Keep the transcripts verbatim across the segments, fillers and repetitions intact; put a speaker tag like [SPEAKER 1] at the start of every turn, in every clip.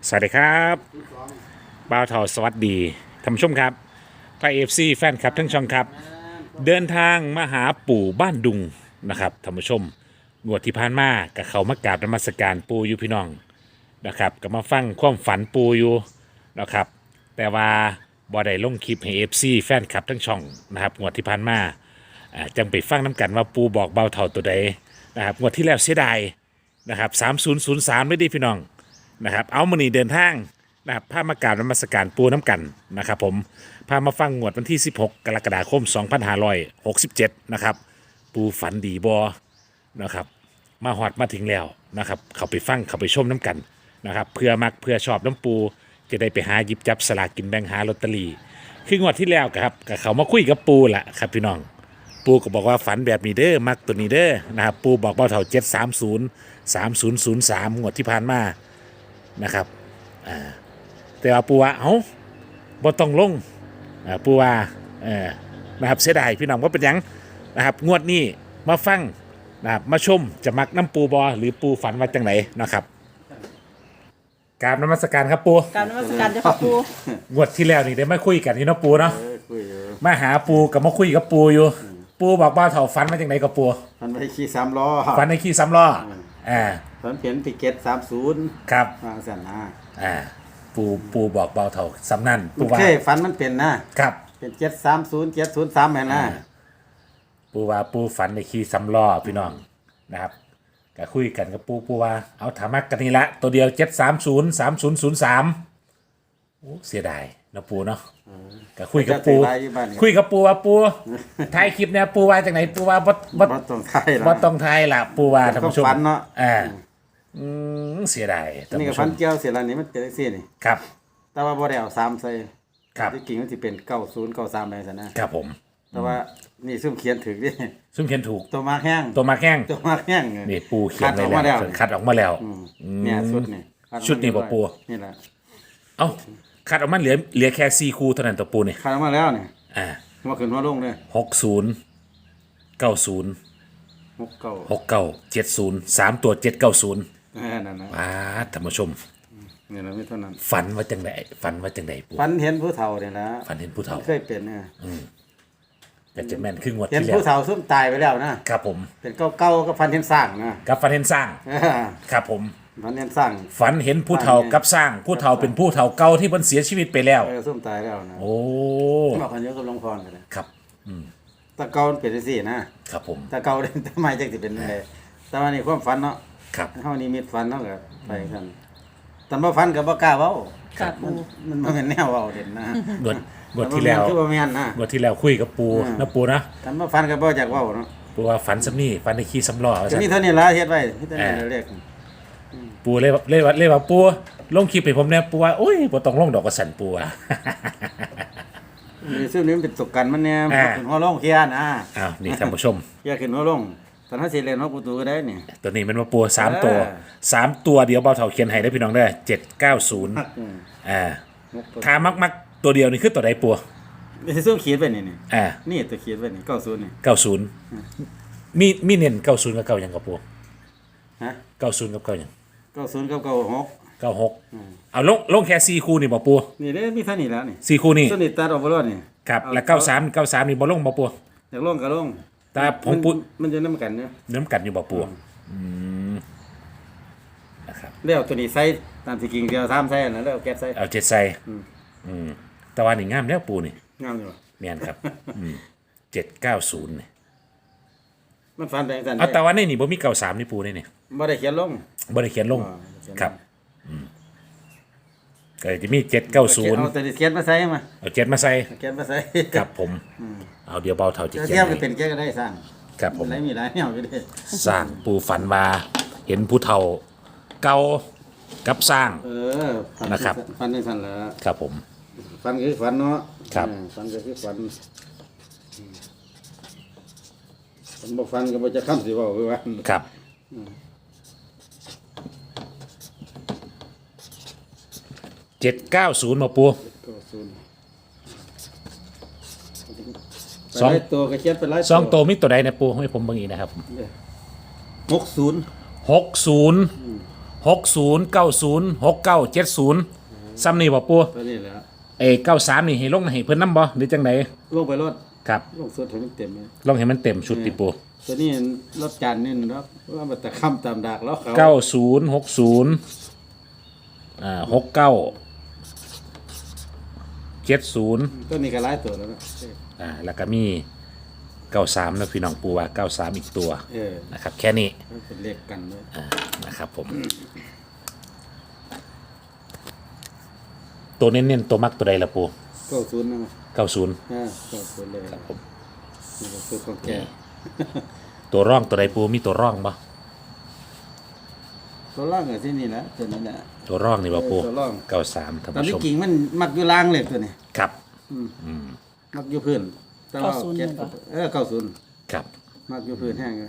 [SPEAKER 1] สวัสดีครับบ่าวเทาสวัสดีท่านผู้ชมครับไทยเอฟซีแฟนคลับทั้งช่องครับเดินทางมาหาปู่บ้านดุงนะครับท่านผู้ชมงวดที่ผ่านมากับเขามากราบนมัสการปู่อยู่พี่น้องนะครับก็มาฟังความฝันปู่อยู่นะครับแต่ว่าบ่ได้ลงคลิปให้เอฟซีแฟนคลับทั้งช่องนะครับงวดที่ผ่านมาอ่าจังไปฟังน้ำกันว่าปู่บอกบ่าวเทาตัวใดนะครับงวดที่แล้วเสียดายนะครับสามศูนย์ศูนย์สามไม่ดีพี่น้องนะครับเอามานี่เดินทางนะครับพามากราบนมัสการปูน้ำกันนะครับผมพามาฟังงวดวันที่สิบหกกรกฎาคมสองพันห้าร้อยหกสิบเจ็ดนะครับปูฝันดีบอนะครับมาหอดมาถึงแล้วนะครับเขาไปฟังเขาไปชมน้ำกันนะครับเพื่อมักเพื่อชอบน้ำปูจะได้ไปหาหยิบจับสลากกินแบ่งหาลอตเตอรี่คืองวดที่แล้วครับกับเขามาคุยกับปูแหละครับพี่น้องปูก็บอกว่าฝันแบบนี้เด้อมักตัวนี้เด้อนะครับปูบอกเบาเท่าเจ็ดสามศูนย์สามศูนย์ศูนย์สามงวดที่ผ่านมานะครับอ่าแต่ว่าปูว่าเอ้าบ่ต้องลงอ่าปูว่าเออนะครับเสียดายพี่น้องว่าเป็นยังนะครับงวดนี้มาฟังนะครับมาชมจะมักน้ำปูบอหรือปูฝันว่าจังไหนนะครับกราบนมัสการครับปู
[SPEAKER 2] การนมัสการเจ้าค่ะปู
[SPEAKER 1] งวดที่แล้วนี่ได้มาคุยกันนี่เนาะปูเนาะ
[SPEAKER 3] เออคุยอยู่
[SPEAKER 1] มาหาปูกับมาคุยกับปูอยู่ปูบอกว่าเถ่าฝันมาจังไหนกับปู
[SPEAKER 3] มันไปขี่สามล้อ
[SPEAKER 1] ฝันในขี้ซ้ำล้ออ่า
[SPEAKER 3] ฝันเห็นพิเกตสามศูนย์
[SPEAKER 1] ครับ
[SPEAKER 3] วางสันนะ
[SPEAKER 1] อ่าปูปูบอกเบาเถ่าซ้ำนั่น
[SPEAKER 3] มั
[SPEAKER 1] ปู
[SPEAKER 3] น
[SPEAKER 1] ว่า
[SPEAKER 3] เคยฝันมันเป็นนะครับ เป็นเจ็ดสามศูนย์เจ็ดศูนย์สามเห็นนะ
[SPEAKER 1] ปูว่าปูฝันในขี้ซ้ำล้อพี่น้องนะครับก็คุยกันกับปูปูว่าเอาถามักกันนี่ละตัวเดียวเจ็ดสามศูนย์สามศูนย์ศูนย์สามเสียดายเนาะปูเนาะก็คุยกับปู
[SPEAKER 3] จะไปอยู่บ้านนี่
[SPEAKER 1] คุยกับปูว่าปูท้ายคลิปเนี่ยปูว่าจากไหนปูว่าบดบด
[SPEAKER 3] บ่ต้องไทยหร
[SPEAKER 1] บ
[SPEAKER 3] อ
[SPEAKER 1] ดต้องทายล่ะปูว่าท่านผู้ชม
[SPEAKER 3] ก็ฝันเนาะ
[SPEAKER 1] อ่าอืมเสียดายท่าน
[SPEAKER 3] นี่ก็
[SPEAKER 1] ผู้ช
[SPEAKER 3] ฝัน
[SPEAKER 1] ม
[SPEAKER 3] เกี่ยวเสียแล้วนี่มันเป็นจังซี่นี่
[SPEAKER 1] ครับ
[SPEAKER 3] แต่ว่าบ่ได้เอาสามใส่
[SPEAKER 1] ครับ
[SPEAKER 3] ที่จริงมันสิเป็นเก้าศูนย์เก้าสามไปซะนะครับ
[SPEAKER 1] ผม
[SPEAKER 3] แต่ว่านี่ซุ่มเขียนถึงดิ
[SPEAKER 1] ซึ่งเขียนถูก
[SPEAKER 3] ตัวมากแห้ง
[SPEAKER 1] ตัวมาแข้ง
[SPEAKER 3] ตัวมากแห้ง
[SPEAKER 1] นี่ปูเขียน
[SPEAKER 3] คัด
[SPEAKER 1] ไว้
[SPEAKER 3] ออกมา
[SPEAKER 1] แล้
[SPEAKER 3] แล้ว ว
[SPEAKER 1] คัดออกมาแล้ว
[SPEAKER 3] อืมเนี่ยชุดนี่คัออกมา
[SPEAKER 1] ชุดนี่บ่ปู
[SPEAKER 3] นี่แหละ
[SPEAKER 1] เอ้าคัดออกมาเหลือเหลือแค่สี่คู่เท่านั้นตัวปูนี่
[SPEAKER 3] คัดออกมาแล้วนี่
[SPEAKER 1] อ่า
[SPEAKER 3] หัวขึ้นหัวลงเลย
[SPEAKER 1] หกศูนย์เก้าศูนย์
[SPEAKER 3] หกเก้า
[SPEAKER 1] หกเก้าเจ็ดศูนย์สามตัวเจ็ดเก้าศูนย์
[SPEAKER 3] เออนั่นนะ
[SPEAKER 1] ว้าท่านผู้ชม
[SPEAKER 3] นี่แหละไม่เท่านั้น
[SPEAKER 1] ฝันว่าจังไดฝันว่าจังไดปู
[SPEAKER 3] ฝันเห็นผู้เฒ่าเนี่ยนะ
[SPEAKER 1] ฝันเห็นผู้เฒ่า
[SPEAKER 3] เคยเป็นนะ
[SPEAKER 1] แต่จะแม่นครึ่งวด
[SPEAKER 3] เห็น
[SPEAKER 1] ที่แล้
[SPEAKER 3] ผู้
[SPEAKER 1] ว
[SPEAKER 3] เฒ่าซุ่มตายไปแล้วนะครับ
[SPEAKER 1] ผม
[SPEAKER 3] เป็นเก้าเก้าก็ฝันเห็นสร้างนะ
[SPEAKER 1] กับฝันเห็นสร้าง
[SPEAKER 3] เออ
[SPEAKER 1] ครับผม
[SPEAKER 3] ฝันเห็นสร้าง
[SPEAKER 1] ฝันเห็นผู้เฒ่ากับสร้าง ผู้เฒ่าเป็นผู้เฒ่าเก่าที่เพิ่นเสียชีวิตไปแล้ว
[SPEAKER 3] เออซุ่มตายแล้วนะ
[SPEAKER 1] โอ้
[SPEAKER 3] บอกกันเยอะกับหลวงพ่อกันเลย
[SPEAKER 1] ครับ
[SPEAKER 3] แตะเกามันเป็นจังซี่นะครับ
[SPEAKER 1] ผม
[SPEAKER 3] แตะเกาเนี่ยทำไมจังสิเป็นอะไรแต่ว่านี่ความฝันเนาะ
[SPEAKER 1] ครับ
[SPEAKER 3] เฮานี่มีฝันเนาะก็ไปกันแต่บ่ฝันก็บ่กล้าเว้า
[SPEAKER 2] ค่ะ
[SPEAKER 3] มั
[SPEAKER 2] ปู
[SPEAKER 3] นมันบ่แม่นแนวเว้าเด่นนะ
[SPEAKER 1] งวดงวดที่แล้ว
[SPEAKER 3] คือบ่แม่นนะ
[SPEAKER 1] งวดที่แล้วคุยกับปู
[SPEAKER 3] อืม
[SPEAKER 1] นะปูนะ
[SPEAKER 3] แต่บ่ฝันก็บ่อยากเว้าเนาะ
[SPEAKER 1] ปูว่าฝันสำนี่ฝันในขี้สำล้อว่า
[SPEAKER 3] ก็
[SPEAKER 1] ซั่น
[SPEAKER 3] มีเท่านี้ล่ะเฮ็ดไว้มีเท่านี้เรียก
[SPEAKER 1] ปูเลยว่าเลยว่าเลยว่าปูลงคลิปให้ผมแน่ปูว่าโอ้ยบ่ต้องลงดอกกระสันปูอ่ะ
[SPEAKER 3] นี่ซึ่งนี่มันเป็นตกกันมันเนี่ย
[SPEAKER 1] อ่า
[SPEAKER 3] ขึ้นหัวลงเคลียร์นะ
[SPEAKER 1] อ้าวนี่ท่านผู้ชม
[SPEAKER 3] เคลียร์ขึ้นหัวลงตอนนั้นสิเล่นหัวประตูก็ได้นี่
[SPEAKER 1] ตัวนี้มันมาปูสามตัว
[SPEAKER 3] เออ
[SPEAKER 1] สามตัวเดียวเบาเถาเขียนให้ได้พี่น้องได้เจ็ดเก้าศูนย์
[SPEAKER 3] อืม
[SPEAKER 1] อ่า
[SPEAKER 3] หกตัว
[SPEAKER 1] ถ้ามักมักตัวเดียวนี่คือตัวใดปู
[SPEAKER 3] นี่ซึ่งเขียนไว้นี่นี่
[SPEAKER 1] อ่า
[SPEAKER 3] นี่ตัวเขียนไว้นี่เก้าศูนย์นี่
[SPEAKER 1] เก้าศูนย์มีมีเน้นเก้าศูนย์กับเก้าหยังกับปู
[SPEAKER 3] ฮะ
[SPEAKER 1] เก้าศูนย์กับเก้าหยัง
[SPEAKER 3] เก้าศูนย์กับเก้าหก
[SPEAKER 1] เก้าหกเอาลงลงแค่สี่คู่นี่บ่ปู
[SPEAKER 3] นี่เด้มีเท่านี้แล้วนี่
[SPEAKER 1] สี่คู่นี่
[SPEAKER 3] ส่วนนี้ตัดออกบ่รอดนี่
[SPEAKER 1] ครับแล้วเก้าสามเก้าสามนี่บ่ลงบ่ปู
[SPEAKER 3] อยากลงก็ลง
[SPEAKER 1] แต่ผมปู
[SPEAKER 3] นมันจะนํกันเนาะ
[SPEAKER 1] เนื้อกันอยู่บ่ปูอืมนะครับ
[SPEAKER 3] แล้วตัวนี้ใส่ตามที่กิ่งเดียวสามใส่นั่นแล้วเอาแก๊สใส่
[SPEAKER 1] เอาเจ็ดใส่อืมแต่ว่านี่งามแล้วปูนี่
[SPEAKER 3] งามอยู่
[SPEAKER 1] แม่นครับเจ็ดเก้าศูนย์นี่
[SPEAKER 3] มันฟันแปลงสั่น
[SPEAKER 1] เอาแต่ว่าในนี่บ่มีเก้าสามนี่ปูนี่นี่
[SPEAKER 3] บ่ได้เขียนลง
[SPEAKER 1] บ่ได้เขียนลง
[SPEAKER 3] อ๋อเขียนลง
[SPEAKER 1] ครับอืมก็จะมีเจ็ดเก้าศูนย์
[SPEAKER 3] เอาตัวนี้เขียนมาใส่มา
[SPEAKER 1] เอาเจ็ดมาใส่
[SPEAKER 3] เขียนมาใส่
[SPEAKER 1] ครับผมเอาเดี๋ยวเบาเท่าจะ
[SPEAKER 3] จะ
[SPEAKER 1] เขีย
[SPEAKER 3] เทียบ
[SPEAKER 1] น
[SPEAKER 3] ก็
[SPEAKER 1] ให้
[SPEAKER 3] เป็นแก้ก็ได้สร้าง
[SPEAKER 1] ครับผม
[SPEAKER 3] หลายมีหลายแนวอยู่เด้
[SPEAKER 1] สร้างปูฝันมาเห็นผู้เฒ่าเก่ากับสร้าง
[SPEAKER 3] เออฟัน
[SPEAKER 1] นะครับ
[SPEAKER 3] ฟันจังซั่นล่ะ
[SPEAKER 1] ครับผม
[SPEAKER 3] ฟันก็คือฟันเนาะ
[SPEAKER 1] ครับ
[SPEAKER 3] เออฟันก็คือฟันฟันบ่ฟันก็บ่จะค้ำสิเว้าคือว่า
[SPEAKER 1] ครับเจ็ดเก้าศูนย์มาปู
[SPEAKER 3] ก็ศูนย์
[SPEAKER 1] สอง
[SPEAKER 3] ไปหลายตัวก็เขียนไปหลาย
[SPEAKER 1] สองตัวมีตัวใดนะปูให้ผมเบางอีกนะครับ
[SPEAKER 3] หกศูนย์
[SPEAKER 1] หกศูนย์หหกศูนย์เก้าศูนย์หกเก้าเจ็ดศูนย์ซ้ำนี่บ่ปู
[SPEAKER 3] ตัวนี้แหละ
[SPEAKER 1] เอเก้าสามนี่ให้ลงให้เพิ่นนำบ่หรือจังได
[SPEAKER 3] ลงไปรถ
[SPEAKER 1] ครับ
[SPEAKER 3] ลงสุดให้มันเต็มเลย
[SPEAKER 1] ลงให้มันเต็มชุดติปู
[SPEAKER 3] ตัวนี้รถจานนี่นะครับว่ามันแต่คำตามดากแล้วเขา
[SPEAKER 1] เก้าศูนย์หกศูนย์อ่าหกเก้าเจ็ดศูนย์
[SPEAKER 3] ตัวนี้ก็หลายตัวแล้วนะ
[SPEAKER 1] อ่าแล้วก็มีเก้าสามนะพี่น้องปูว่าเก้าสามอีกตัว
[SPEAKER 3] เออ
[SPEAKER 1] นะครับแค่นี้
[SPEAKER 3] มันเป็นเลขกันเลย
[SPEAKER 1] อ่านะครับผม ตัวเน้นๆตัวมักตัวใดละปู
[SPEAKER 3] เก้าศูนย์นะ
[SPEAKER 1] เก้าศูนย์
[SPEAKER 3] อ่าเก้าศูนย์เลย
[SPEAKER 1] ครับผม
[SPEAKER 3] นี่ก็คือของแก
[SPEAKER 1] ตัวร่องตัวใดปูมีตัวร่องปะ
[SPEAKER 3] ตัวล่างอะที่นี่แหละตัวนั้นแหละ
[SPEAKER 1] ตัวร่องนี่ปะปู
[SPEAKER 3] ตัวร่อง
[SPEAKER 1] เก้าสามท่าน
[SPEAKER 3] ตอน
[SPEAKER 1] ผู้
[SPEAKER 3] นี้
[SPEAKER 1] ชม
[SPEAKER 3] กิ่งมันมักอยู่ล่างเลยตัวนี้
[SPEAKER 1] ครับ
[SPEAKER 3] มักอยู่พื้นแต่ว่า
[SPEAKER 2] เก้าศูนย์
[SPEAKER 3] เก็บ
[SPEAKER 2] เหรอ
[SPEAKER 3] เออเก้าศูนย์
[SPEAKER 1] ครับ
[SPEAKER 3] มักอยู่พื้นแห้งเลย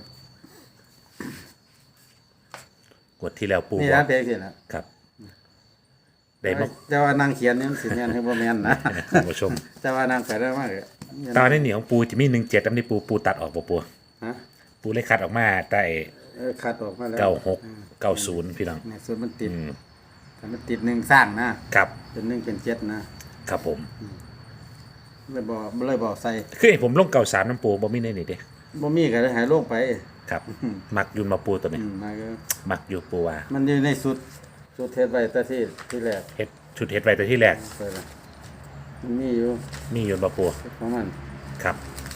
[SPEAKER 1] กดที่แล้วปู
[SPEAKER 3] นี่
[SPEAKER 1] บอ
[SPEAKER 3] ร้าก นเพลงสิละ
[SPEAKER 1] ครับได้มา
[SPEAKER 3] แต่ว่านางเขียนนี่มันสิแม่นให้บ่แม่นนะ
[SPEAKER 1] ท่านผู้ชม
[SPEAKER 3] แต่ว่านางไปได้มากเลย
[SPEAKER 1] ตอนนี้เหนียวของปูจะมีหนึ่งเจ็ดอันนี้ปูปูตัดออกปะปู
[SPEAKER 3] ฮะ
[SPEAKER 1] ปูเลยคัดออกมาแต่
[SPEAKER 3] เออคัดออกมาแล้ว
[SPEAKER 1] เก้าหกเก้าศูนย์พี่น้อง
[SPEAKER 3] เนี่ยส่วนมันติดแต่มันติดหนึ่งสร้างนะครับ เป็นหนึ่งเป็นเจ็ดนะครับ
[SPEAKER 1] ผม
[SPEAKER 3] เลยบอกเลยบอกใส่
[SPEAKER 1] คือให้ผมลงเก้าสามน้ำปูบ่มีในนี่เด้
[SPEAKER 3] บ่มีก็เลยหายลงไป
[SPEAKER 1] ครับ มักยุนมาปูตัวนี้
[SPEAKER 3] อืมมาก็
[SPEAKER 1] มักอยู่ปูว่า
[SPEAKER 3] มันอยู่ในสุดสุดเทศไว้แต่ที่ที่แรก
[SPEAKER 1] เฮ็ดชุดเฮ็ดไว้แต่ที่แรก
[SPEAKER 3] ไปละมันมีอยู่
[SPEAKER 1] มียุนมาปู
[SPEAKER 3] ของมัน
[SPEAKER 1] ครับ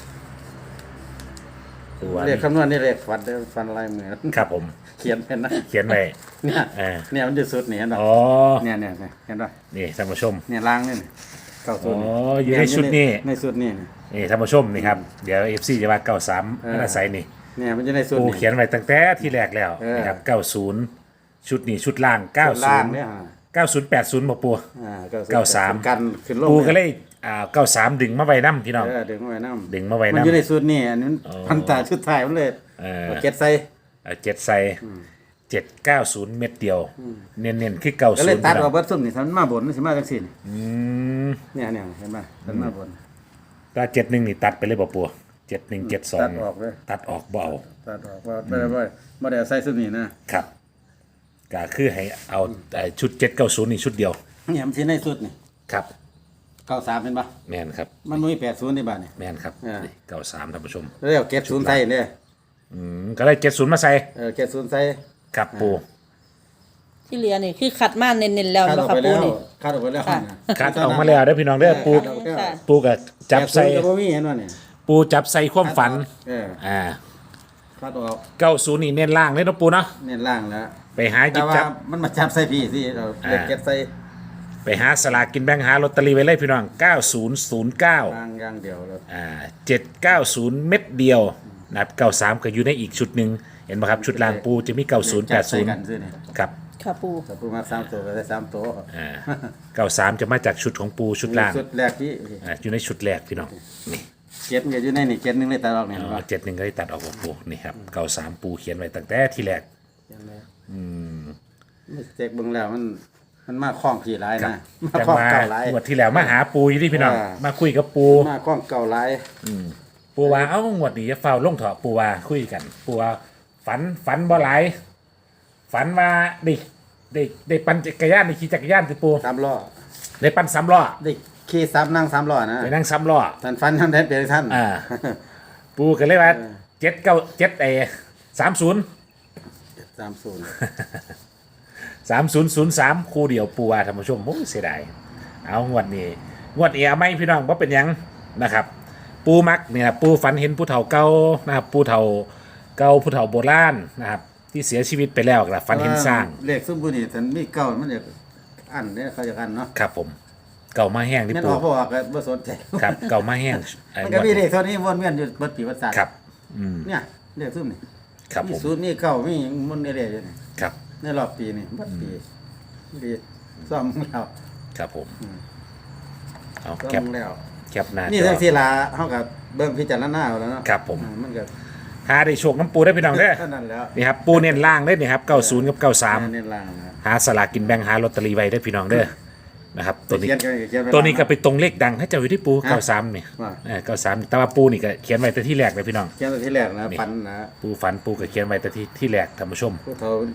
[SPEAKER 1] ปูว่า
[SPEAKER 3] เรียกคำนวณนี่เรียกฟันได้ฟันลายมือ
[SPEAKER 1] ครับผม
[SPEAKER 3] เขียนเป็นนะ
[SPEAKER 1] เขียนไว้
[SPEAKER 3] เนี่ย
[SPEAKER 1] เออ
[SPEAKER 3] เนี่ยมันอยู่สุดนี่เห็นป่ะ
[SPEAKER 1] อ๋อ
[SPEAKER 3] เนี่ยเนี่ยเนี่ยเห็นป่ะ
[SPEAKER 1] นี่ท่านผู้ชม
[SPEAKER 3] เนี่ยล้างนี่นี่เก้าสุด
[SPEAKER 1] อ๋ออยู่ในชุดนี้
[SPEAKER 3] ในสุดนี่นี่
[SPEAKER 1] นี่ท่านผู้ชมนี่ครับ เดี๋ยว เอฟ ซี จะว่าเก้าสาม
[SPEAKER 3] เออ
[SPEAKER 1] น่าใส่นี่
[SPEAKER 3] เนี่ยมันอยู่ในสุด
[SPEAKER 1] ปู
[SPEAKER 3] นี่
[SPEAKER 1] เขียนไว้ตั้งแต่ที่แรกแล้ว
[SPEAKER 3] เออ
[SPEAKER 1] นะครับเก้าศูนย์ชุดนี้ชุดล่างเก้า
[SPEAKER 3] ส่วน
[SPEAKER 1] ศู
[SPEAKER 3] ล่าง
[SPEAKER 1] นย์
[SPEAKER 3] เนี่ยฮะ
[SPEAKER 1] เก้าศูนย์แปดศูนย์บ่ปู
[SPEAKER 3] อ่า
[SPEAKER 1] เก้าสาม
[SPEAKER 3] กันขึ้นลง
[SPEAKER 1] ปูก็
[SPEAKER 3] นี่
[SPEAKER 1] เลยอ่าเก้าสามดึงมาไว้น้ำพี่น้อง
[SPEAKER 3] เออดึงมาไว้น้ำ
[SPEAKER 1] ดึงมาไว้
[SPEAKER 3] มัน
[SPEAKER 1] น้ำ
[SPEAKER 3] อยู่ในสุดนี่อันนี้มัน
[SPEAKER 1] อ๋อ
[SPEAKER 3] พันตาชุดไทายมันเลย
[SPEAKER 1] เออ
[SPEAKER 3] เอาเก็ตใส่
[SPEAKER 1] เจ็ดใส่เจ็ดเก้าศูนย์เม็ดเดียว เน้นๆคือเก้า
[SPEAKER 3] ก็
[SPEAKER 1] ศู
[SPEAKER 3] เลย
[SPEAKER 1] นย์
[SPEAKER 3] ตัด
[SPEAKER 1] พี่น้
[SPEAKER 3] เอา
[SPEAKER 1] อง
[SPEAKER 3] เบิดซุ่มนี่ถ้ามันมาบนมันสิมาจังซี่นี่
[SPEAKER 1] อืม
[SPEAKER 3] เนี่ยเนี่ยเห็นป่ะมันมาบน
[SPEAKER 1] ถ้าเจ็ดหนึ่งนี่ตัดไปเลยบ่ปูเจ็ดหนึ่งเจ็ดสอง
[SPEAKER 3] ตัดออกเลย
[SPEAKER 1] ตัดออกบ่เอา
[SPEAKER 3] ตัดออกว่าไม่ได้ว่าไม่ได้เอาใส่ซุ่มนี่นะครับ
[SPEAKER 1] ก็คือให้เอาเอ่อชุดเจ็ดเก้าศูนย์นี่ชุดเดียว
[SPEAKER 3] เนี่ยมันสิในสุดนี่
[SPEAKER 1] ครับ
[SPEAKER 3] เก้าสามเป็นป่ะ
[SPEAKER 1] แม่นครับ
[SPEAKER 3] มันมีแปดศูนย์ในบ้านนี่
[SPEAKER 1] แม่นครับ
[SPEAKER 3] อ่า
[SPEAKER 1] เก้าสามท่านผู้ชม
[SPEAKER 3] แล้วเอาเก็ตศูนย์ใส่เนี่ย
[SPEAKER 1] อืมก็เลยเจ็ดศูนย์มาใส่
[SPEAKER 3] เออเก็ตศูนย์ใส่
[SPEAKER 1] ครับปู
[SPEAKER 2] ที่เหลือนี่คือคัดมาเน้นๆแล้ว
[SPEAKER 3] คัดอ
[SPEAKER 2] แล้
[SPEAKER 3] อ
[SPEAKER 2] ว
[SPEAKER 3] ก
[SPEAKER 2] ค่ะ
[SPEAKER 3] ไป
[SPEAKER 2] ปู
[SPEAKER 3] แล้ว
[SPEAKER 2] นี่
[SPEAKER 3] คัดออกไปแล้ว
[SPEAKER 2] ค่ะ
[SPEAKER 3] นะ
[SPEAKER 1] คัดออกมาแล้วเด้อพี่น้องเด้อปู
[SPEAKER 3] คัดออกแล้ว
[SPEAKER 2] ค่ะ
[SPEAKER 1] ปูกับจับใส่
[SPEAKER 3] แปดศูนย์ก็บ่มีเห็นว่าเนี่ย
[SPEAKER 1] ปูจับใส่ความฝัน
[SPEAKER 3] เออ
[SPEAKER 1] อ่า
[SPEAKER 3] คัดออก
[SPEAKER 1] เก้าศูนย์นี่เน้นล่างเลยเนาะปูเนาะ
[SPEAKER 3] เน้นล่างแล้ว
[SPEAKER 1] ไปหาหยิ
[SPEAKER 3] แต่
[SPEAKER 1] บ
[SPEAKER 3] ว่า
[SPEAKER 1] จับ
[SPEAKER 3] มันมาจับใส่พี่สิเราเล็ก
[SPEAKER 1] อ่า
[SPEAKER 3] เก็ตใส่
[SPEAKER 1] ไปหาสลากกินแบ่งหาลอตเตอรี่ไว้เลยพี่น้องเก้าศูนย์ศูนย์เก้า
[SPEAKER 3] ล่างอย่างเดียวแล้ว
[SPEAKER 1] อ่าเจ็ดเก้าศูนย์เม็ดเดียวนะครับเก้าสามก็อยู่ในอีกชุดหนึ่งเห็นไหมครับ ชุดล่างปูจะมีเก้าศูนย์แปดศูนย์
[SPEAKER 3] กันซื้อนี่
[SPEAKER 1] ครับ
[SPEAKER 2] ค่ะปู
[SPEAKER 3] ถ้าปูมาสามตัวก็ได้สามตัว
[SPEAKER 1] อ่าเก้าสามจะมาจากชุดของปูชุดล่าง
[SPEAKER 3] ชุดแรกที่
[SPEAKER 1] อ่าอยู่ในชุดแรกพี่น้องนี่
[SPEAKER 3] เก็ตมันก็อยู่ในนี่เก็ตหนึงเลยตาออกเนี่ยเห็นปะ
[SPEAKER 1] เจ็ดหนึ่งก็ได้ตัดออกของปูนี่ครับเก้าสามปูเขียนไว้ตั้งแต่ที่แรก
[SPEAKER 3] อืมเจ๊กเบิ่งแล้วมันมันมาคล้องขี่หลาย
[SPEAKER 1] ครับ
[SPEAKER 3] นะมา
[SPEAKER 1] จัง
[SPEAKER 3] คล้อง
[SPEAKER 1] มา
[SPEAKER 3] เก่าหลาย
[SPEAKER 1] งวดที่แล้วมาหาปูอยู่ที่พี่น้อง
[SPEAKER 3] อ่า
[SPEAKER 1] มาคุยกับปู
[SPEAKER 3] มาคล้องเก่าหลาย
[SPEAKER 1] ปูว่าเอ้างวดนี้จะเฝ้าลงเถอะปูว่าคุยกัน ปูว่าฝันฝันบ่หลายฝันว่าได้ได้ได้ปั่นจักรยานได้ขี่จักรยานติปู
[SPEAKER 3] สามล้อ
[SPEAKER 1] ได้ปั่นสามล้อ
[SPEAKER 3] ได้ขี่สามนั่งสามล้อนะ
[SPEAKER 1] ไปนั่งสามล้อ
[SPEAKER 3] ท่านฟันท่านได้เป็นท่าน
[SPEAKER 1] อ่า ปูก็เลยว่าเจ็ดเก้าเจ็ดเอสามศูนย์
[SPEAKER 3] สามศูนย์
[SPEAKER 1] สามศูนย์ศูนย์สามคู่เดียวปูว่าท่านผู้ชมโอ้ยเสียดายเอางวดนี้งวดเอียไม่พี่น้องว่าเป็นหยังนะครับ ปูมักเนี่ยปูฝันเห็นผู้เฒ่าเก่านะครับผู้เฒ่าเก่าผู้เฒ่าโบราณนะครับที่เสียชีวิตไปแล้วครับฝันเห็นสร้าง
[SPEAKER 3] เลขสมบูรณ์นี่ท่านมีเก่ามันจะอันเนี่ยเขาจะอันเนาะ
[SPEAKER 1] ครับผมเก่ามาแห้งที่
[SPEAKER 3] แม่น
[SPEAKER 1] ปู
[SPEAKER 3] ออกบ่ออกก็บ่สนใจ
[SPEAKER 1] ครับเก่ามาแห้งไอ้
[SPEAKER 3] มัน
[SPEAKER 1] ง
[SPEAKER 3] ก็
[SPEAKER 1] วด
[SPEAKER 3] มีเลขเท่านี้วนเวียนอยู่เบิดปีวัศาสตร์
[SPEAKER 1] ครับอืม
[SPEAKER 3] เนี่ยเลขซุ่มนี่
[SPEAKER 1] ครับ
[SPEAKER 3] มี
[SPEAKER 1] ผม
[SPEAKER 3] ศูนย์มีเก่ามีหยังมันเรื่อยๆอยู่นี่
[SPEAKER 1] ครับ
[SPEAKER 3] ในรอบปีนี่เบิดปีปีซ่อมแล้ว
[SPEAKER 1] ครับผมเอา
[SPEAKER 3] ซ่อ
[SPEAKER 1] แคป
[SPEAKER 3] มแล้ว
[SPEAKER 1] แคปหน้า
[SPEAKER 3] นี่
[SPEAKER 1] จ
[SPEAKER 3] ทั้
[SPEAKER 1] อง
[SPEAKER 3] ที่ลาเฮาก็เบิ่งพิจารณาเอาแล้วเนาะ
[SPEAKER 1] ครับผม
[SPEAKER 3] อ่ามันก็
[SPEAKER 1] หาได้โชคน้ำปูได้พี่น้องเด้อ
[SPEAKER 3] เท่านั้นแล้ว
[SPEAKER 1] นี่ครับปูเน้นล่างได้นี่ครับเก้าศูนย์กับเก้าสาม
[SPEAKER 3] เน้นล่างนะ
[SPEAKER 1] หาสลากกินแบ่งหาลอตเตอรี่ไว้ได้อพี่น้องเด้อนะครับตัวนี้
[SPEAKER 3] เขียนก็เขียนไ
[SPEAKER 1] ตัวนี้ก็ไปตรงเลขดังให้เจ้าอยู่ที่ปู
[SPEAKER 3] ฮะ
[SPEAKER 1] เก้าสามนี่
[SPEAKER 3] ว่า
[SPEAKER 1] เออเก้าสามแต่ว่าปูนี่ก็เขียนไว้แต่ที่แรกเลยพี่น้อง
[SPEAKER 3] เขียนแต่ที่แรกนะ
[SPEAKER 1] นี่
[SPEAKER 3] ฟันนะ
[SPEAKER 1] ปูฝันปูก็เขียนไว้แต่ที่ที่แรกท่านผู้ชม
[SPEAKER 3] ผู้เฒ่า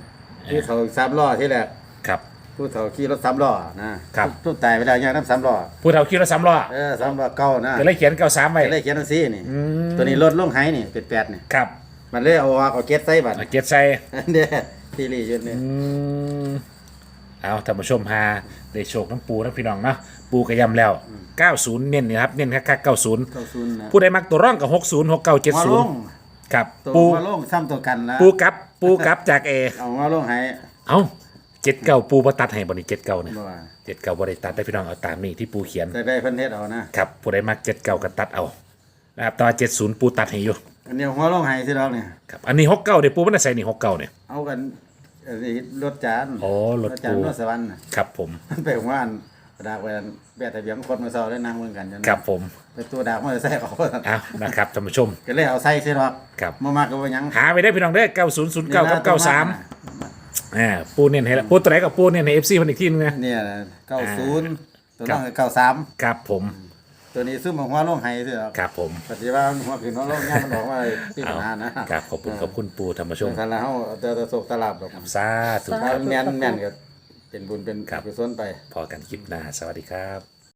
[SPEAKER 3] ผู้เฒ่าสามล้อที่แรก
[SPEAKER 1] ครับ
[SPEAKER 3] ผู้เฒ่าขี่รถสามล้อนะครับทุกตายไปแล้วยังน้ำสามล้อ
[SPEAKER 1] ผู้เฒ่าขี่รถสามล้อ
[SPEAKER 3] เออสามล้อเก่านะ
[SPEAKER 1] ก็เลยเขียนเก้าสามไว้
[SPEAKER 3] ก็เลยเขียนจังซี่นี่
[SPEAKER 1] อืม
[SPEAKER 3] ตัวนี้รถลงไห้นี่เป็นแปดนี่
[SPEAKER 1] ครับ
[SPEAKER 3] มันเลยเอาออกเอาเก็ตใส่บัด
[SPEAKER 1] เอาเกียรติใส่
[SPEAKER 3] เด้ที่รีอยู่นี่
[SPEAKER 1] อืมเอาท่านผู้ชมพาได้โชคน้ำปูน้ำพี่น้องเนาะปูกระยำแล้วเก้าสิบเน้นนี่ครับเน้นคักๆเก้าสิบ
[SPEAKER 3] เก้าศูนย์นะ
[SPEAKER 1] ผู้ใดมักตัวร่องกับหกสิบ หกเก้า เจ็ด
[SPEAKER 3] มา
[SPEAKER 1] สิ
[SPEAKER 3] ล
[SPEAKER 1] บ
[SPEAKER 3] ง
[SPEAKER 1] ครับ
[SPEAKER 3] ตัว
[SPEAKER 1] ปู
[SPEAKER 3] มาลงซ้ำตัวกันแล้ว
[SPEAKER 1] ปูกับปูกับจากเอ
[SPEAKER 3] เอามาลงไห้
[SPEAKER 1] เอ้าเจ็ดเก้าปูบ่ตัดให้บ่นี่เจ็ดเก้าเนี่ย
[SPEAKER 3] บ่ว่า
[SPEAKER 1] เจ็ดเก้าบ่ได้ตัดได้พี่น้องเอาตามนี่ที่ปูเขียน
[SPEAKER 3] แต่ได้เพิ่นเฮ็ดเอานะครับ
[SPEAKER 1] ผู้ใดมักเจ็ดเก้าก็ตัดเอานะครับแตว่าเจ็ดศูนย์ปูตัดให้อยู่
[SPEAKER 3] อันนี้หัวลงไห้สิดอกนี่
[SPEAKER 1] ครับอันนี้หกเก้าเดี๋ยวปูมันจะใส่นี่หกเก้าเนี่ย
[SPEAKER 3] เอากันอันนี้รถจาน
[SPEAKER 1] อ๋อรถ
[SPEAKER 3] จาน
[SPEAKER 1] ปู
[SPEAKER 3] รถสวรรค์น่ะ
[SPEAKER 1] ครับผม
[SPEAKER 3] มันไปของว่านดากไปแบะทะเบียนคนมาเซาได้นั่งเบิ่งกันจน
[SPEAKER 1] ครับผม
[SPEAKER 3] ไปตัวดากมาใส่เขา
[SPEAKER 1] เอานะครับท่านผู้ชม
[SPEAKER 3] ก็เลยเอาใส่สิดอก
[SPEAKER 1] ครับ
[SPEAKER 3] บ่มากก็บ่หยัง
[SPEAKER 1] หาไปได้พี่น้องได้เก้าศูนย์ศูนย์เก้ากับเก้าสามอ่าปูเน้นให้แล้วปูตัวไหนกับปูเน้นให้เอฟซีมันอีกทีนึงนะ
[SPEAKER 3] เนี่ยเก้าศูนย์ตัว
[SPEAKER 1] ครั
[SPEAKER 3] น้อบ งเก้าสาม
[SPEAKER 1] ครับผม
[SPEAKER 3] ตัวนี้ซุ่มหัวลงไห้สิดอก
[SPEAKER 1] ครับผม
[SPEAKER 3] ปฏิว่าหัวขึ้นหัวลงย่างมันบอกว่าที่ปัญหานะครับ
[SPEAKER 1] ขอบคุณขอบคุณปูธรรมช
[SPEAKER 3] ช่ว
[SPEAKER 1] ม
[SPEAKER 3] งทันแล้วเฮาเจอตะโศกตะลาบดอก
[SPEAKER 1] สาธุ
[SPEAKER 3] ถ้าแม่นแม่นก็เป็นบุญเป็น
[SPEAKER 1] ครับ
[SPEAKER 3] กุศลไป
[SPEAKER 1] พอกันคลิปหน้าสวัสดีครับ